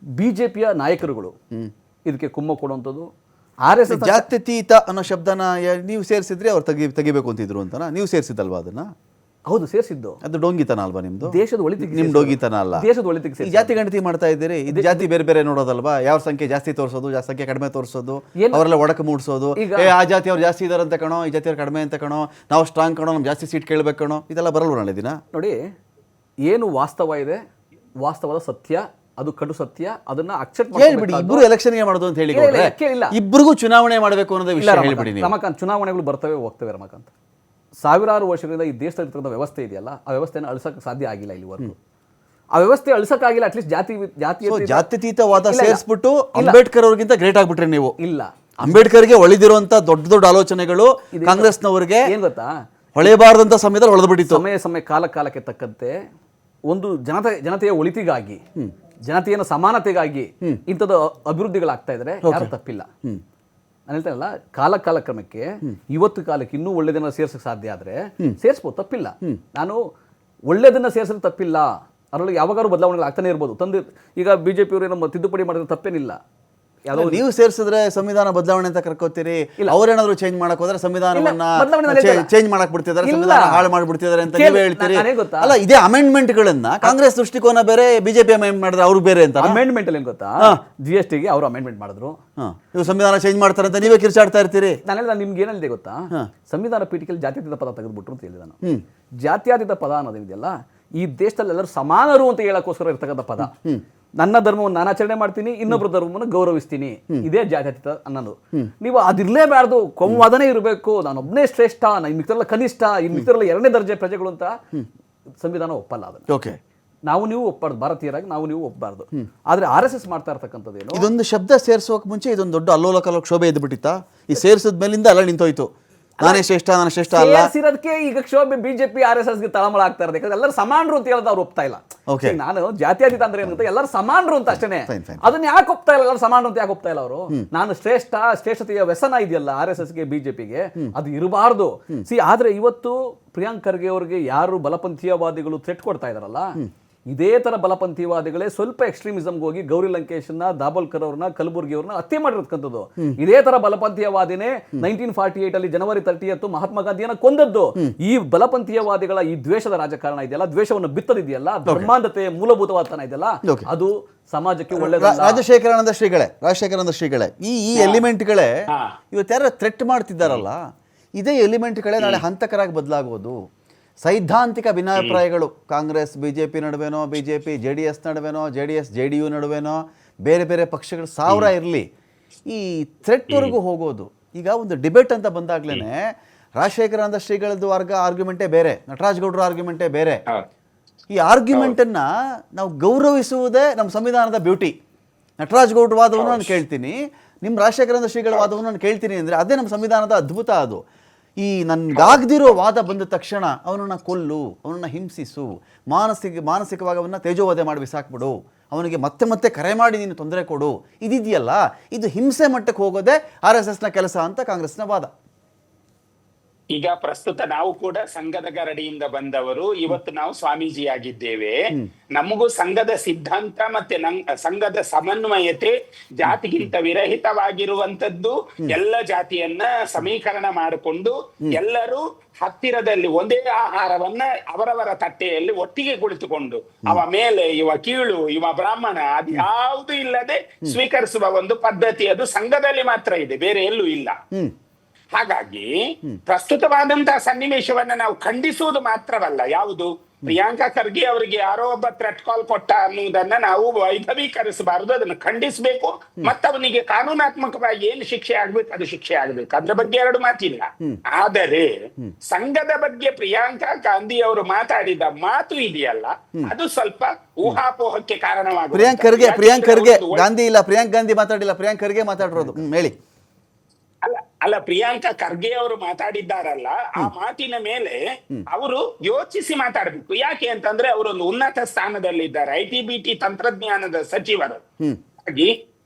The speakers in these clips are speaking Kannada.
ಬಿಜೆಪಿಯ ನಾಯಕರುಗಳು ಇದಕ್ಕೆ ಕುಮ್ಮ ಕೊಡುವಂಥದ್ದು. RSS ಜಾತ್ಯತೀತ ಅನ್ನೋ ಶಬ್ದನ ನೀವು ಸೇರಿಸಿದ್ರೆ ಅವ್ರು ತೆಗಿಬೇಕು ಅಂತಿದ್ರು ಅಂತನಾ? ನೀವು ಸೇರಿಸಿದಲ್ವಾ ಅದನ್ನ? ಹೌದು, ಸೇರಿಸಿದ್ದು. ಅದು ಡೋಂಗಿತನ ಅಲ್ವಾ ನಿಮ್ದು? ದೇಶದ ಒಳಿತಿಗೆ ನಿಮ್ ಡೋಂಗಿತನ ಅಲ್ಲ, ದೇಶದ ಒಳಿತಿಗೆ. ಜಾತಿ ಗಣತಿ ಮಾಡ್ತಾ ಇದ್ದೀರಿ, ಇದು ಜಾತಿ ಬೇರೆ ಬೇರೆ ನೋಡೋದಲ್ವಾ? ಯಾವ ಸಂಖ್ಯೆ ಜಾಸ್ತಿ ತೋರಿಸೋದು, ಯಾವ ಸಂಖ್ಯೆ ಕಡಿಮೆ ತೋರಿಸೋದು, ಅವರೆಲ್ಲ ಒಡಕು ಮೂಡಿಸೋದು. ಆ ಜಾತಿ ಅವ್ರು ಜಾಸ್ತಿ ಇದಾರೆ ಅಂತ ಕಣೋ, ಈ ಜಾತಿ ಅವ್ರು ಕಡಿಮೆ ಅಂತ ಕಣೋ, ನಾವು ಸ್ಟ್ರಾಂಗ್ ಕಣೋ, ನಮ್ಗೆ ಜಾಸ್ತಿ ಸೀಟ್ ಕೇಳಬೇಕು ಕಣೋ, ಇದೆಲ್ಲ ಬರಲ್ವ ನಾಳೆ ದಿನ? ನೋಡಿ, ಏನು ವಾಸ್ತವ ಇದೆ, ವಾಸ್ತವದ ಸತ್ಯ, ಅದು ಕಡು ಸತ್ಯ, ಅದನ್ನ ಅಕ್ಸೆಪ್ಟ್ ಹೇಳ್ಬಿಡಿ. ಇಬ್ರು ಎಲೆಕ್ಷನ್ಗೆ ಮಾಡೋದು ಅಂತ ಹೇಳಿ ಇಬ್ಬರಿಗೂ ಚುನಾವಣೆ ಮಾಡಬೇಕು ಅನ್ನೋದೇ ವಿಷಯ ಹೇಳ್ಬಿಡಿ. ರಮಾಕಾಂತ್, ಚುನಾವಣೆಗಳು ಬರ್ತವೆ ಹೋಗ್ತವೆ ರಮಾಕಾಂತ್. ಸಾವಿರಾರು ವರ್ಷದಿಂದ ಈ ದೇಶದಲ್ಲಿರ್ತಕ್ಕಂಥ ವ್ಯವಸ್ಥೆ ಇದೆಯಲ್ಲ, ಆ ವ್ಯವಸ್ಥೆಯನ್ನು ಅಳಿಸಕ್ಕೆ ಸಾಧ್ಯ ಆಗಿಲ್ಲ ಇಲ್ಲಿವರೆಗೂ. ಆ ವ್ಯವಸ್ಥೆ ಅಳಿಸಕ್ಕಾಗಿಲ್ಲ. ಅಟ್ಲೀಸ್ಟ್ ಜಾತ್ಯತೀತವಾದ ಸೇರಿಸ್ಬಿಟ್ಟು ಅಂಬೇಡ್ಕರ್ ಅವ್ರಿಗಿಂತ ಗ್ರೇಟ್ ಆಗ್ಬಿಟ್ರೆ ನೀವು. ಇಲ್ಲ, ಅಂಬೇಡ್ಕರ್ಗೆ ಒಳಿದಿರುವಂತ ದೊಡ್ಡ ದೊಡ್ಡ ಆಲೋಚನೆಗಳು ಕಾಂಗ್ರೆಸ್ನವರಿಗೆ ಏನ್ ಗೊತ್ತಾ, ಹೊಳೆಬಾರದಂತ ಸಮಯದಲ್ಲಿ ಹೊಳೆದ್ಬಿಟ್ಟಿತ್ತು. ಸಮಯ ಕಾಲಕ್ಕೆ ತಕ್ಕಂತೆ ಒಂದು ಜನತೆಯ ಒಳಿತಿಗಾಗಿ, ಜನತೆಯ ಸಮಾನತೆಗಾಗಿ ಇಂಥದ್ದು ಅಭಿವೃದ್ಧಿಗಳಾಗ್ತಾ ಇದ್ರೆ ಯಾರು ತಪ್ಪಿಲ್ಲ. ನಾನು ಹೇಳ್ತೇನಲ್ಲ, ಕಾಲಕ್ರಮಕ್ಕೆ ಇವತ್ತು ಕಾಲಕ್ಕೆ ಇನ್ನೂ ಒಳ್ಳೆದನ್ನ ಸೇರ್ಸಕ್ಕೆ ಸಾಧ್ಯ ಆದ್ರೆ ಸೇರಿಸ್ಬೋದು, ತಪ್ಪಿಲ್ಲ. ನಾನು ಒಳ್ಳೆದನ್ನ ಸೇರಿಸಿದ್ರೆ ತಪ್ಪಿಲ್ಲ, ಅದರೊಳಗೆ ಯಾವಾಗಾರು ಬದಲಾವಣೆಗಳು ಆಗ್ತಾನೆ ಇರ್ಬೋದು. ಈಗ ಬಿಜೆಪಿ ಅವರು ಏನೋ ತಿದ್ದುಪಡಿ ಮಾಡಿದ್ರೆ ತಪ್ಪೇನಿಲ್ಲ. ನೀವು ಸೇರಿಸಿದ್ರೆ ಸಂವಿಧಾನ ಬದಲಾವಣೆ ಅಂತ ಕರ್ಕೋತೀರಿ, ಅವ್ರೇನಾದ್ರು ಚೇಂಜ್ ಮಾಡಕ್ ಹೋದ್ರೆ ಸಂವಿಧಾನವನ್ನ ಚೇಂಜ್ ಮಾಡಕ್ ಬಿಡ್ತಿದ್ದಾರೆ, ಸಂವಿಧಾನ ಹಾಳು ಮಾಡ್ಬಿಡ್ತಿದ್ದಾರೆ ಅಂತ ನೀವೇ ಹೇಳ್ತೀರಿ. ಅಲ್ಲ, ಇದೇ ಅಮೆಂಡ್ಮೆಂಟ್ ಗಳನ್ನ ಕಾಂಗ್ರೆಸ್ ದೃಷ್ಟಿಕೋನ ಬೇರೆ, ಬಿಜೆಪಿ ಅಮೆಂಡ್ ಮಾಡಿದ್ರೆ ಅವ್ರು ಬೇರೆ ಅಂತ. ಅಮೆಂಡ್ಮೆಂಟ್ ಅಲ್ಲಿ ಏನ್ ಗೊತ್ತಾ, GST ಗೆ ಅವರು ಅಮೆಂಡ್ಮೆಂಟ್ ಮಾಡಿದ್ರು, ನೀವು ಸಂವಿಧಾನ ಚೇಂಜ್ ಮಾಡ್ತಾರೆ ಅಂತ ನೀವೇ ಕಿರ್ಚಾಡ್ತಾ ಇರ್ತೀರಿ. ನಾನು ನಿಮ್ಗೆ ಏನಿದೆ ಗೊತ್ತಾ, ಸಂವಿಧಾನ ಪೀಠಿಕೆಯಲ್ಲಿ ಜಾತ್ಯತೀತ ಪದ ತೆಗೆದ್ಬಿಟ್ರು ಅಂತ ಹೇಳಿದ ನಾನು. ಜಾತ್ಯತೀತ ಪದ ಅನ್ನೋದೇನಿದೆಯಲ್ಲ, ಈ ದೇಶದಲ್ಲಿ ಎಲ್ಲರೂ ಸಮಾನರು ಅಂತ ಹೇಳಕ್ಕೋಸ್ಕರ ಇರ್ತಕ್ಕಂಥ ಪದ. ನನ್ನ ಧರ್ಮವನ್ನು ನಾನು ಆಚರಣೆ ಮಾಡ್ತೀನಿ, ಇನ್ನೊಬ್ಬರ ಧರ್ಮವನ್ನು ಗೌರವಿಸ್ತೀನಿ, ಇದೇ ಜಾತ್ಯತೀತ ಅನ್ನೋದು. ನೀವು ಅದಿರ್ಲೇಬಾರ್ದು, ಕೋಮುವಾದನೆ ಇರಬೇಕು, ನಾನೊಬ್ಬನೇ ಶ್ರೇಷ್ಠ, ಮಿತ್ರರೆಲ್ಲ ಕನಿಷ್ಠ, ಮಿತ್ರರೆಲ್ಲ ಎರಡನೇ ದರ್ಜೆ ಪ್ರಜೆಗಳು ಅಂತ ಸಂವಿಧಾನ ಒಪ್ಪಲ್ಲ ಅದನ್ನು. ಓಕೆ, ನೀವು ಒಪ್ಪಬಾರ್ದು, ಭಾರತೀಯರಾಗಿ ನೀವು ಒಪ್ಪಬಾರ್ದು. ಆದ್ರೆ RSS ಮಾಡ್ತಾ ಇರ್ತಕ್ಕಂಥದ್ದೇನು, ಇದೊಂದು ಶಬ್ದ ಸೇರಿಸೋಕೆ ಮುಂಚೆ ಇದೊಂದು ದೊಡ್ಡ ಅಲ್ಲೋಲ ಕಲ್ಲೋಲ ಕ್ಷೋಭೆ ಎದ್ಬಿಟ್ಟಿತ್ತಾ? ಈ ಸೇರಿಸಿದ ಮೇಲಿಂದ ಎಲ್ಲ ನಿಂತೋಯ್ತು, ನಾನೇ ಶ್ರೇಷ್ಠ ಅಲ್ಲ. ಸೇರಿಸಿರೋದಕ್ಕೆ ಈಗ ಕ್ಷೋಭೆ ಬಿಜೆಪಿ RSS ಗೆ ತಳಮಳ ಆಗ್ತಾ ಇರೋದು. ಯಾಕಂದ್ರೆ ಎಲ್ಲರೂ ಸಮಾನರು ಅಂತ ಹೇಳೋದು ಅವ್ರು ಒಪ್ತಾ ಇಲ್ಲ. ನಾನು ಜಾತ್ಯತೀತ ಅಂದ್ರೆ ಏನಂತ, ಎಲ್ಲರೂ ಸಮಾನರು ಅಂತ ಅಷ್ಟೇ. ಅದನ್ನ ಯಾಕೆ ಒಪ್ತಾ ಇಲ್ಲ, ಎಲ್ಲರೂ ಸಮಾನರು ಅಂತ ಯಾಕೆ ಒಪ್ತಾ ಇಲ್ಲ ಅವರು? ನಾನು ಶ್ರೇಷ್ಠತೆಯ ವ್ಯಸನ ಇದೆಯಲ್ಲ RSS ಗೆ, ಬಿಜೆಪಿಗೆ, ಅದು ಇರಬಾರ್ದು. ಆದ್ರೆ ಇವತ್ತು ಪ್ರಿಯಾಂಕ್ ಖರ್ಗೆ ಅವರಿಗೆ ಯಾರು ಬಲಪಂಥೀಯವಾದಿಗಳು ಥ್ರೆಟ್ ಕೊಡ್ತಾ ಇದಾರಲ್ಲ, ಇದೇ ತರ ಬಲಪಂಥೀಯವಾದಿಗಳೇ ಸ್ವಲ್ಪ ಎಕ್ಸ್ಟ್ರೀಮಿಸಮ್ಗೆ ಹೋಗಿ ಗೌರಿ ಲಂಕೇಶ್ನ, ದಾಬೋಲ್ಕರ್ ಅವ್ರನ್ನ, ಕಲಬುರ್ಗಿ ಅವ್ರನ್ನ ಹತ್ಯೆ ಮಾಡಿರ್ತಕ್ಕಂಥದ್ದು. ಇದೇ ತರ ಬಲಪಂಥೀಯವಾದಿನೇ 1948 ಅಲ್ಲಿ ಜನವರಿ 30 ಮಹಾತ್ಮ ಗಾಂಧಿಯನ್ನ ಕೊಂದದ್ದು. ಈ ಬಲಪಂಥೀಯವಾದಿಗಳ ಈ ದ್ವೇಷದ ರಾಜಕಾರಣ ಇದೆಯಲ್ಲ, ದ್ವೇಷವನ್ನು ಬಿತ್ತದಿದೆಯಲ್ಲ, ಧರ್ಮಾಂಧತೆ ಮೂಲಭೂತವಾದತನ ಇದೆಯಲ್ಲ, ಅದು ಸಮಾಜಕ್ಕೆ ಒಳ್ಳೆಯದು. ರಾಜಶೇಖರಾನಂದ ಶ್ರೀಗಳೇ ಈ ಎಲಿಮೆಂಟ್ಗಳೇ ಇವತ್ಯಾರ ಥ್ರೆಟ್ ಮಾಡ್ತಿದ್ದಾರಲ್ಲ, ಇದೇ ಎಲಿಮೆಂಟ್ಗಳೇ ನಾಳೆ ಹಂತಕರಾಗಿ ಬದಲಾಗೋದು. ಸೈದ್ಧಾಂತಿಕ ಭಿನ್ನಾಭಿಪ್ರಾಯಗಳು ಕಾಂಗ್ರೆಸ್ ಬಿಜೆಪಿ ನಡುವೆನೋ, ಬಿಜೆಪಿ JDS ನಡುವೆನೋ, JDS JDU ನಡುವೆನೋ, ಬೇರೆ ಬೇರೆ ಪಕ್ಷಗಳು 1000 ಇರಲಿ, ಈ ಥ್ರೆಟ್ವರೆಗೂ ಹೋಗೋದು. ಈಗ ಒಂದು ಡಿಬೇಟ್ ಅಂತ ಬಂದಾಗ್ಲೇನೆ ರಾಜಶೇಖರಾನಂದ ಶ್ರೀಗಳದ್ದು ಆರ್ಗ್ಯುಮೆಂಟೇ ಬೇರೆ, ನಟರಾಜ್ ಗೌಡ್ರ ಆರ್ಗ್ಯುಮೆಂಟೇ ಬೇರೆ. ಈ ಆರ್ಗ್ಯುಮೆಂಟನ್ನು ನಾವು ಗೌರವಿಸುವುದೇ ನಮ್ಮ ಸಂವಿಧಾನದ ಬ್ಯೂಟಿ. ನಟರಾಜ್ ಗೌಡ್ರ ವಾದವನ್ನು ನಾನು ಕೇಳ್ತೀನಿ, ನಿಮ್ಮ ರಾಜಶೇಖರಾನಂದ ಶ್ರೀಗಳ ವಾದವನ್ನು ನಾನು ಕೇಳ್ತೀನಿ ಅಂದರೆ ಅದೇ ನಮ್ಮ ಸಂವಿಧಾನದ ಅದ್ಭುತ. ಅದು ಈ ನನ್ಗಾಗದಿರೋ ವಾದ ಬಂದ ತಕ್ಷಣ ಅವನನ್ನು ಕೊಲ್ಲು, ಅವನನ್ನು ಹಿಂಸಿಸು, ಮಾನಸಿಕವಾಗಿ ಅವನ್ನ ತೇಜೋವಧೆ ಮಾಡಿ ಬಿಸಾಕ್ಬಿಡು, ಅವನಿಗೆ ಮತ್ತೆ ಮತ್ತೆ ಕರೆ ಮಾಡಿ ನೀನು ತೊಂದರೆ ಕೊಡು, ಇದಿದೆಯಲ್ಲ, ಇದು ಹಿಂಸೆ ಮಟ್ಟಕ್ಕೆ ಹೋಗೋದೇ RSSನ ಕೆಲಸ ಅಂತ ಕಾಂಗ್ರೆಸ್ನ ವಾದ. ಈಗ ಪ್ರಸ್ತುತ ನಾವು ಕೂಡ ಸಂಘದ ಗರಡಿಯಿಂದ ಬಂದವರು, ಇವತ್ತು ನಾವು ಸ್ವಾಮೀಜಿ ಆಗಿದ್ದೇವೆ. ನಮಗೂ ಸಂಘದ ಸಿದ್ಧಾಂತ ಮತ್ತೆ ಸಂಘದ ಸಮನ್ವಯತೆ, ಜಾತಿಗಿಂತ ವಿರಹಿತವಾಗಿರುವಂತದ್ದು, ಎಲ್ಲ ಜಾತಿಯನ್ನ ಸಮೀಕರಣ ಮಾಡಿಕೊಂಡು ಎಲ್ಲರೂ ಹತ್ತಿರದಲ್ಲಿ ಒಂದೇ ಆಹಾರವನ್ನ ಅವರವರ ತಟ್ಟೆಯಲ್ಲಿ ಒಟ್ಟಿಗೆ ಕುಳಿತುಕೊಂಡು ಅವ ಮೇಲೆ ಇವ ಕೀಳು ಇವ ಬ್ರಾಹ್ಮಣ ಅದು ಯಾವುದು ಇಲ್ಲದೆ ಸ್ವೀಕರಿಸುವ ಒಂದು ಪದ್ಧತಿ ಅದು ಸಂಘದಲ್ಲಿ ಮಾತ್ರ ಇದೆ, ಬೇರೆ ಎಲ್ಲೂ ಇಲ್ಲ. ಹಾಗಾಗಿ ಪ್ರಸ್ತುತವಾದಂತಹ ಸನ್ನಿವೇಶವನ್ನ ನಾವು ಖಂಡಿಸುವುದು ಮಾತ್ರವಲ್ಲ, ಯಾವುದು ಪ್ರಿಯಾಂಕಾ ಖರ್ಗೆ ಅವರಿಗೆ ಯಾರೋ ಒಬ್ಬ ಥ್ರೆಟ್ ಕಾಲ್ ಕೊಟ್ಟ ಅನ್ನುವುದನ್ನ ನಾವು ವೈಭವೀಕರಿಸಬಾರದು, ಅದನ್ನು ಖಂಡಿಸಬೇಕು. ಮತ್ತವನಿಗೆ ಕಾನೂನಾತ್ಮಕವಾಗಿ ಏನು ಶಿಕ್ಷೆ ಆಗ್ಬೇಕು ಅದು ಶಿಕ್ಷೆ ಆಗ್ಬೇಕು, ಅದ್ರ ಬಗ್ಗೆ ಎರಡು ಮಾತಿಲ್ಲ. ಆದರೆ ಸಂಘದ ಬಗ್ಗೆ ಪ್ರಿಯಾಂಕಾ ಗಾಂಧಿ ಅವರು ಮಾತಾಡಿದ ಮಾತು ಇದೆಯಲ್ಲ, ಅದು ಸ್ವಲ್ಪ ಊಹಾಪೋಹಕ್ಕೆ ಕಾರಣವಾಗುತ್ತೆ. ಪ್ರಿಯಾಂಕ್ ಖರ್ಗೆ ಗಾಂಧಿ ಇಲ್ಲ, ಪ್ರಿಯಾಂಕ್ ಗಾಂಧಿ ಮಾತಾಡಿಲ್ಲ, ಪ್ರಿಯಾಂಕ್ ಖರ್ಗೆ ಮಾತಾಡಿರೋದು. ಹೇಳಿ. ಅಲ್ಲ, ಪ್ರಿಯಾಂಕಾ ಖರ್ಗೆ ಅವರು ಮಾತಾಡಿದ್ದಾರಲ್ಲ, ಆ ಮಾತಿನ ಮೇಲೆ ಅವರು ಯೋಚಿಸಿ ಮಾತಾಡಬೇಕು. ಯಾಕೆ ಅಂತಂದ್ರೆ ಅವರೊಂದು ಉನ್ನತ ಸ್ಥಾನದಲ್ಲಿದ್ದಾರೆ, IT BT ತಂತ್ರಜ್ಞಾನದ ಸಚಿವರು. ಹಾಗಾಗಿ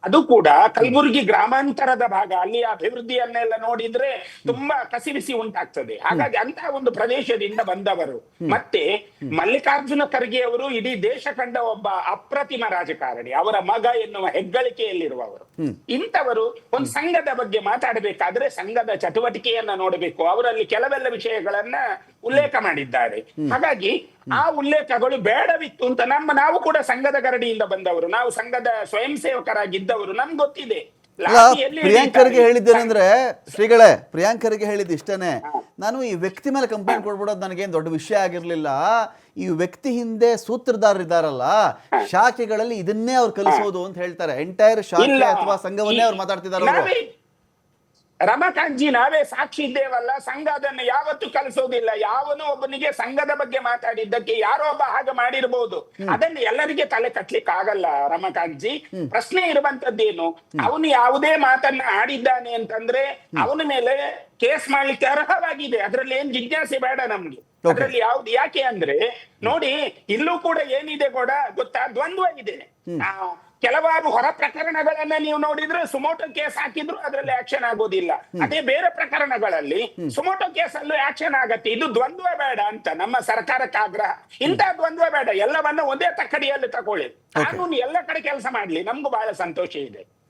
ಅದು ಕೂಡ ಕಲಬುರಗಿ ಗ್ರಾಮಾಂತರದ ಭಾಗ, ಅಲ್ಲಿ ಅಭಿವೃದ್ಧಿಯನ್ನೆಲ್ಲ ನೋಡಿದ್ರೆ ತುಂಬಾ ಕಸಿವಿಸಿ ಉಂಟಾಗ್ತದೆ. ಹಾಗಾಗಿ ಅಂತಹ ಒಂದು ಪ್ರದೇಶದಿಂದ ಬಂದವರು. ಮತ್ತೆ ಮಲ್ಲಿಕಾರ್ಜುನ ಖರ್ಗೆ ಅವರು ಇಡೀ ದೇಶ ಕಂಡ ಒಬ್ಬ ಅಪ್ರತಿಮ ರಾಜಕಾರಣಿ, ಅವರ ಮಗ ಎನ್ನುವ ಹೆಗ್ಗಳಿಕೆಯಲ್ಲಿರುವವರು. ಇಂಥವರು ಒಂದು ಸಂಘದ ಬಗ್ಗೆ ಮಾತಾಡಬೇಕಾದ್ರೆ ಸಂಘದ ಚಟುವಟಿಕೆಯನ್ನ ನೋಡಬೇಕು. ಅವರಲ್ಲಿ ಕೆಲವೆಲ್ಲ ವಿಷಯಗಳನ್ನ ಉಲ್ಲೇಖ ಮಾಡಿದ್ದಾರೆ. ಹಾಗಾಗಿ ಆ ಉಲ್ಲೇಖಗಳು ಬೇಡವಿತ್ತು ಅಂತ ನಾವು ಕೂಡ ಸಂಘದ ಗರಡಿಯಿಂದ ಬಂದವರು, ನಾವು ಸಂಘದ ಸ್ವಯಂ ಸೇವಕರಾಗಿದ್ದವರು, ನಮ್ಗೆ ಗೊತ್ತಿದೆ. ಪ್ರಿಯಾಂಕರ್ಗೆ ಹೇಳಿದ್ದೇನೆಂದ್ರೆ ಶ್ರೀಗಳೇ, ಪ್ರಿಯಾಂಕರ್ಗೆ ಹೇಳಿದ್ದು ಇಷ್ಟೇನೆ, ನಾನು ಈ ವ್ಯಕ್ತಿ ಮೇಲೆ ಕಂಪ್ಲೇಂಟ್ ಕೊಡ್ಬಿಡೋದು ನನಗೇನು ದೊಡ್ಡ ವಿಷಯ ಆಗಿರ್ಲಿಲ್ಲ. ಈ ವ್ಯಕ್ತಿ ಹಿಂದೆ ಸೂತ್ರಧಾರರಿದ್ದಾರಲ್ಲ, ಶಾಖೆಗಳಲ್ಲಿ ಇದನ್ನೇ ಅವ್ರು ಕಲಿಸೋದು ಅಂತ ಹೇಳ್ತಾರೆ. ಎಂಟೈರ್ ಶಾಖೆ ಅಥವಾ ಸಂಘವನ್ನೇ ಅವ್ರು ಮಾತಾಡ್ತಿದ್ದಾರೆ. ರಮಾಕಾಂತ್ಜಿ, ನಾವೇ ಸಾಕ್ಷಿ ಇದ್ದೇವಲ್ಲ. ಸಂಘ ಅದನ್ನು ಯಾವತ್ತೂ ಕಲಿಸೋದಿಲ್ಲ. ಯಾವನೋ ಒಬ್ಬನಿಗೆ ಸಂಘದ ಬಗ್ಗೆ ಮಾತಾಡಿದ್ದಕ್ಕೆ ಯಾರೋ ಒಬ್ಬ ಹಾಗೆ ಮಾಡಿರ್ಬೋದು, ಅದನ್ನು ಎಲ್ಲರಿಗೆ ತಲೆ ಕಟ್ಲಿಕ್ಕೆ ಆಗಲ್ಲ ರಮಾಕಾಂತ್ಜಿ. ಪ್ರಶ್ನೆ ಇರುವಂತದ್ದೇನು, ಅವನು ಯಾವುದೇ ಮಾತನ್ನ ಆಡಿದ್ದಾನೆ ಅಂತಂದ್ರೆ ಅವನ ಮೇಲೆ ಕೇಸ್ ಮಾಡ್ಲಿಕ್ಕೆ ಅರ್ಹವಾಗಿದೆ. ಅದ್ರಲ್ಲಿ ಏನ್ ಜಿಜ್ಞಾಸೆ ಬೇಡ ನಮ್ಗೆ. ಅದ್ರಲ್ಲಿ ಯಾವ್ದು ಯಾಕೆ ಅಂದ್ರೆ ನೋಡಿ, ಇಲ್ಲೂ ಕೂಡ ಏನಿದೆ ಕೂಡ ಗೊತ್ತಾ, ದ್ವಂದ್ವ ಇದೆ. ಕೆಲವಾರು ಹೊರ ಪ್ರಕರಣಗಳನ್ನ ನೀವು ನೋಡಿದ್ರೆ ಸುಮೋಟೋ ಕೇಸ್ ಹಾಕಿದ್ರು ಅದರಲ್ಲಿ ಆಕ್ಷನ್ ಆಗೋದಿಲ್ಲ. ಅದೇ ಬೇರೆ ಪ್ರಕರಣಗಳಲ್ಲಿ ಸುಮೋಟೋ ಕೇಸ್ ಅಲ್ಲೂ ಆಕ್ಷನ್ ಆಗತ್ತೆ. ಇದು ದ್ವಂದ್ವ ಬೇಡ ಅಂತ ನಮ್ಮ ಸರ್ಕಾರಕ್ಕೆ ಆಗ್ರಹ. ಇಂಥ ದ್ವಂದ್ವ ಬೇಡ, ಎಲ್ಲವನ್ನ ಒಂದೇ ತಕ್ಕಡಿಯಲ್ಲಿ ತಗೊಳ್ಳಿ. ಕಾನೂನು ಎಲ್ಲ ಕಡೆ ಕೆಲಸ ಮಾಡ್ಲಿ, ನಮ್ಗೂ ಬಹಳ ಸಂತೋಷ ಇದೆ.